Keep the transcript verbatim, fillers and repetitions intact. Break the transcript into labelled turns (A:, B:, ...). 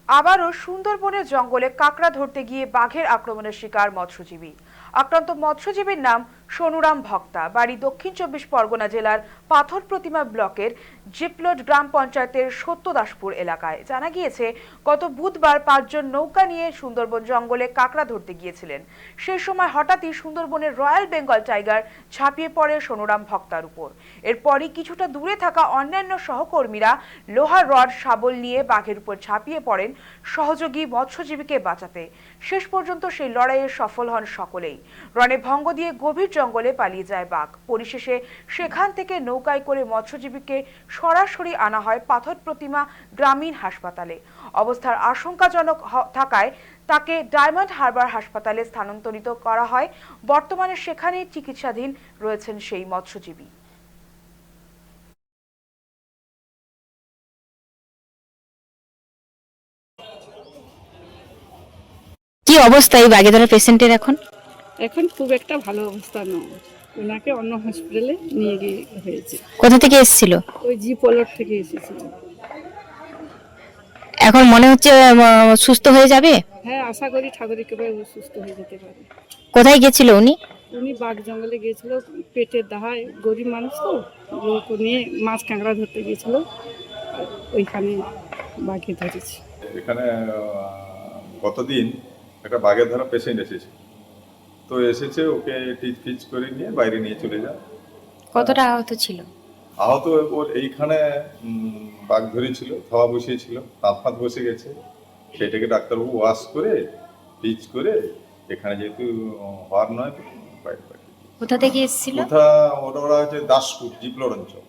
A: আবারও সুন্দরবনের জঙ্গলে কাঁকড়া ধরতে গিয়ে বাঘের আক্রমণের শিকার মৎস্যজীবী। আক্রান্ত মৎস্যজীবীর নাম সোনুরাম ভক্তা, বাড়ি দক্ষিণ চব্বিশ পরগনা জেলার পাথর প্রতিমা ব্লকের জিপলট গ্রাম পঞ্চায়েতের সত্যদাসপুর এলাকায়। জানা গিয়েছে, গত বুধবার পাঁচজন নৌকা নিয়ে সুন্দরবন জঙ্গলে কাঁকড়া ধরতে গিয়েছিলেন। সেই সময় হঠাৎই সুন্দরবনের রয়্যাল বেঙ্গল টাইগার ঝাঁপিয়ে পড়ে সোনুরাম ভক্তার উপর। এরপরই কিছুটা দূরে থাকা অন্যান্য সহকর্মীরা লোহার রড শাবল নিয়ে বাঘের উপর ঝাঁপিয়ে পড়েন সহযোগী মৎস্যজীবীকে বাঁচাতে। শেষ পর্যন্ত সেই লড়াইয়ে সফল হন সকলেই। রণে ভঙ্গ দিয়ে গভীর জঙ্গলে পালিয়ে যায় বাঘ। পরিশেষে সেখান থেকে নৌকায় করে মৎস্যজীবীকে সরাসরি আনা হয় পাথর প্রতিমা গ্রামীণ হাসপাতালে। অবস্থার আশঙ্কাজনক থাকায় তাকে ডায়মন্ড হারবার হাসপাতালে স্থানান্তরিত করা হয়। বর্তমানে সেখানেই চিকিৎসাধীন রয়েছেন সেই মৎস্যজীবী।
B: কি অবস্থা এই বাঘে ধরা পেশেন্টের? এখন
C: এখন খুব একটা ভালো অবস্থা নয়, ওনাকে অন্য হসপিটালে নিয়ে গিয়ে হয়েছে।
B: কোথা থেকে এসেছিল?
C: ওই জি পলট থেকে এসেছিল।
B: এখন মনে হচ্ছে আহ, সুস্থ হয়ে যাবে?
C: হ্যাঁ, আশা করি ঠাকুরের কৃপায় ও সুস্থ হয়ে যেতে পারে।
B: কোথায় গেছিল উনি?
C: উনি বাঘ জঙ্গলে গিয়েছিল, পেটের দাহায়, গরিব মানুষ তো, লোক নিয়ে মাছ কাঁকড়া ধরতে গিয়েছিল, আর ওইখানে বাঘে ধরেছে।
D: এখানে গতদিন একটা বাঘের ধরা পেশেন্ট এসেছে, তো এসেছে ওকে টিচ ফিচ করে নিয়ে বাইরে নিয়ে চলে যায়।
B: কতটা আহত ছিল?
D: আহত ওর এইখানে উম, বাঘ ধরেছিল, থাওয়া বসিয়েছিল, দাঁত ফাঁত বসে গেছে, সেটাকে ডাক্তারবাবু ওয়াশ করে টিচ করে এখানে যেহেতু হওয়ার নয় বাইরে পাঠিয়ে।
B: কোথা থেকে এসেছিল?
D: কোথা ওটা ওরা হচ্ছে দাসপুর জিপলর অঞ্চল।